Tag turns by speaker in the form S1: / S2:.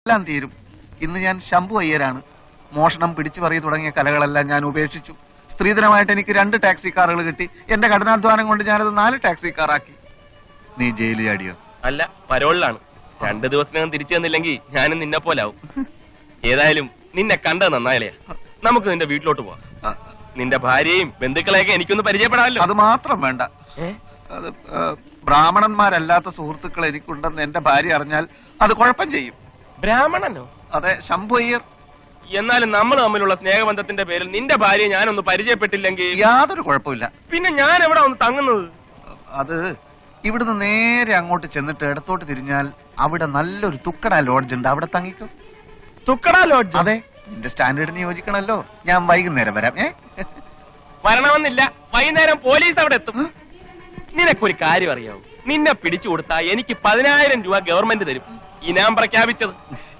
S1: എല്ലാം തീരും. ഇന്ന് ഞാൻ ശംഭു അയ്യരാണ്. മോഷണം, പിടിച്ചു പറയി തുടങ്ങിയ കലകളെല്ലാം ഞാൻ ഉപേക്ഷിച്ചു. സ്ത്രീധനമായിട്ട് എനിക്ക് 2 ടാക്സി കാറുകൾ കിട്ടി. എന്റെ കഠിനാധ്വാനം കൊണ്ട് ഞാനത് 4 ടാക്സി കാറാക്കി. നീ ജയിലിൽ ചാടിയോ?
S2: അല്ല, പരോളിലാണ്. 2 ദിവസത്തിനകം തിരിച്ചു തന്നില്ലെങ്കിൽ ഞാനും നിന്നെ പോലാവും. ഏതായാലും നിന്നെ കണ്ടത് നന്നായാലേ. നമുക്ക് നിന്റെ വീട്ടിലോട്ട് പോവാം. നിന്റെ ഭാര്യയും ബന്ധുക്കളെയൊക്കെ എനിക്കൊന്ന് പരിചയപ്പെടാമല്ലോ.
S1: അത് മാത്രം വേണ്ട. അത് ബ്രാഹ്മണന്മാരല്ലാത്ത സുഹൃത്തുക്കൾ എനിക്കുണ്ടെന്ന് എന്റെ ഭാര്യ അറിഞ്ഞാൽ അത് കുഴപ്പം ചെയ്യും.
S2: ബ്രാഹ്മണനോ?
S1: അതെ, ശംഭു അയ്യർ.
S2: എന്നാലും നമ്മൾ തമ്മിലുള്ള സ്നേഹബന്ധത്തിന്റെ പേരിൽ നിന്റെ ഭാര്യയെ ഞാനൊന്ന് പരിചയപ്പെട്ടില്ലെങ്കിൽ
S1: യാതൊരു കുഴപ്പമില്ല.
S2: പിന്നെ ഞാൻ എവിടെ ഒന്ന് തങ്ങുന്നത്?
S1: അത് ഇവിടുന്ന് നേരെ അങ്ങോട്ട് ചെന്നിട്ട് ഇടത്തോട്ട് തിരിഞ്ഞാൽ അവിടെ നല്ലൊരു തുക്കട ലോഡ്ജ് ഉണ്ട്. അവിടെ തങ്ങിക്കോ.
S2: തുക്കട ലോഡ്ജ്?
S1: അതെ, നിന്റെ സ്റ്റാൻഡേർഡിന് യോജിക്കണല്ലോ. ഞാൻ വൈകുന്നേരം വരാം.
S2: വരണമെന്നില്ല, വൈകുന്നേരം പോലീസ് അവിടെ എത്തും. നിനക്കൊരു കാര്യം അറിയാവൂ, നിന്നെ പിടിച്ചു കൊടുത്താ എനിക്ക് 10,000 രൂപ ഗവൺമെന്റ് തരും. ഇനാം പ്രഖ്യാപിച്ചത്.